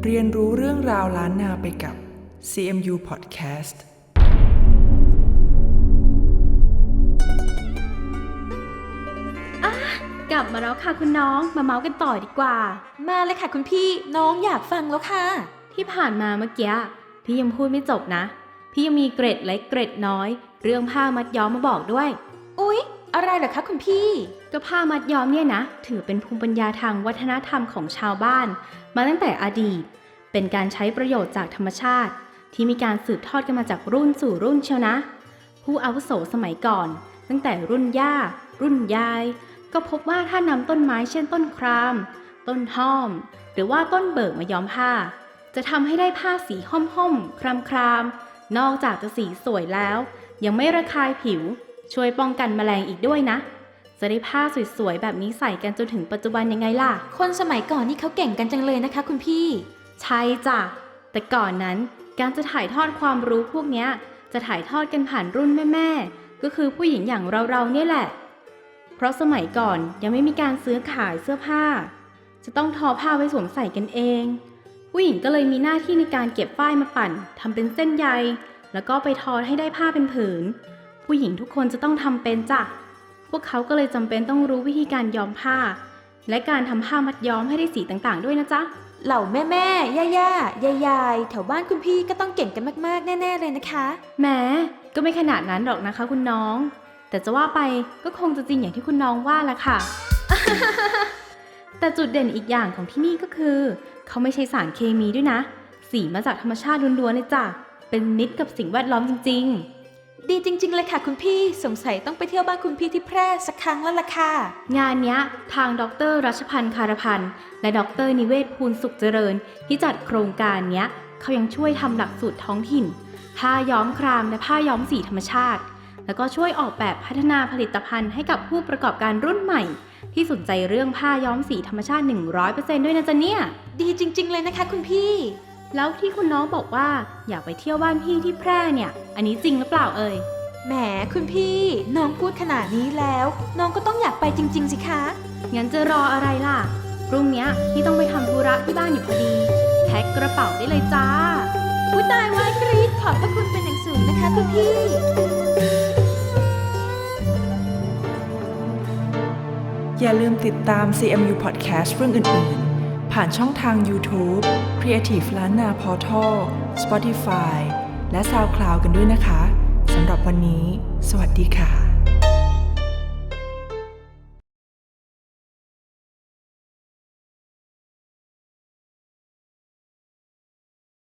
เรียนรู้เรื่องราวล้านนาไปกับ CMU Podcast กลับมาแล้วค่ะคุณน้องมาเมาส์กันต่อดีกว่ามาเลยค่ะคุณพี่น้องอยากฟังแล้วค่ะที่ผ่านมาเมื่อกี้พี่ยังพูดไม่จบนะพี่ยังมีเกร็ดเล็กเกร็ดน้อยเรื่องผ้ามัดย้อมมาบอกด้วยอุ๊ยอะไรเหรอคะคุณพี่ก็ผ้ามัดย้อมเนี่ยนะถือเป็นภูมิปัญญาทางวัฒนธรรมของชาวบ้านมาตั้งแต่อดีตเป็นการใช้ประโยชน์จากธรรมชาติที่มีการสืบทอดกันมาจากรุ่นสู่รุ่นเชียวนะผู้อาวุโสสมัยก่อนตั้งแต่รุ่นย่ารุ่นยายก็พบว่าถ้านำต้นไม้เช่นต้นครามต้นห้อมหรือว่าต้นเบิกมาย้อมผ้าจะทำให้ได้ผ้าสีห้อมๆครามๆนอกจากจะสีสวยแล้วยังไม่ระคายผิวช่วยป้องกันแมลงอีกด้วยนะจะได้ผ้าสวยๆแบบนี้ใส่กันจนถึงปัจจุบันยังไงล่ะคนสมัยก่อนนี่เขาเก่งกันจังเลยนะคะคุณพี่ใช่จ้ะแต่ก่อนนั้นการจะถ่ายทอดความรู้พวกเนี้ยจะถ่ายทอดกันผ่านรุ่นแม่ๆก็คือผู้หญิงอย่างเราๆเนี่ยแหละเพราะสมัยก่อนยังไม่มีการซื้อขายเสื้อผ้าจะต้องทอผ้าไว้สวมใส่กันเองผู้หญิงก็เลยมีหน้าที่ในการเก็บฝ้ายมาปั่นทำเป็นเส้นใยแล้วก็ไปทอให้ได้ผ้าเป็นผืนผู้หญิงทุกคนจะต้องทำเป็นจ้ะพวกเขาก็เลยจำเป็นต้องรู้วิธีการย้อมผ้าและการทำผ้ามัดย้อมให้ได้สีต่างๆด้วยนะจ๊ะเหล่าแม่ๆย่าๆยายๆแถวบ้านคุณพี่ก็ต้องเก่งกันมากๆแน่ๆเลยนะคะแหมก็ไม่ขนาดนั้นหรอกนะคะคุณน้องแต่จะว่าไปก็คงจะจริงอย่างที่คุณน้องว่าละค่ะ แต่จุดเด่นอีกอย่างของที่นี่ก็คือเขาไม่ใช้สารเคมีด้วยนะสีมาจากธรรมชาติล้วนๆเลยจ้ะเป็นมิตรกับสิ่งแวดล้อมจริงๆดีจริงๆเลยค่ะคุณพี่สงสัยต้องไปเที่ยวบ้านคุณพี่ที่แพร่สักครั้งแล้วล่ะค่ะงานเนี้ยทางดร.รัชพันธ์คารพันธ์และดร.นิเวศภูลสุขเจริญที่จัดโครงการเนี้ยเขายังช่วยทำหลักสูตรท้องถิ่นผ้าย้อมครามและผ้าย้อมสีธรรมชาติแล้วก็ช่วยออกแบบพัฒนาผลิตภัณฑ์ให้กับผู้ประกอบการรุ่นใหม่ที่สนใจเรื่องผ้าย้อมสีธรรมชาติ 100% ด้วยนะจ๊ะเนี่ยดีจริงๆเลยนะคะคุณพี่แล้วที่คุณน้องบอกว่าอยากไปเที่ยวบ้านพี่ที่แพร่เนี่ยอันนี้จริงหรือเปล่าเอ่ยแหมคุณพี่น้องพูดขนาดนี้แล้วน้องก็ต้องอยากไปจริงๆสิคะงั้นจะรออะไรล่ะพรุ่งนี้พี่ต้องไปทำธุระที่บ้านอยู่พอดีแพ็คกระเป๋าได้เลยจ้าอุ๊ยตายไว้กรี๊ดขอบพระคุณเป็นอย่างสูงนะคะคุณพี่อย่าลืมติดตาม CMU Podcast เรื่องอื่นๆผ่านช่องทาง YouTube Creative ล้านนา Portal Spotify และ SoundCloud กันด้วยนะคะสำหรับวันนี้สวัสดีค่ะ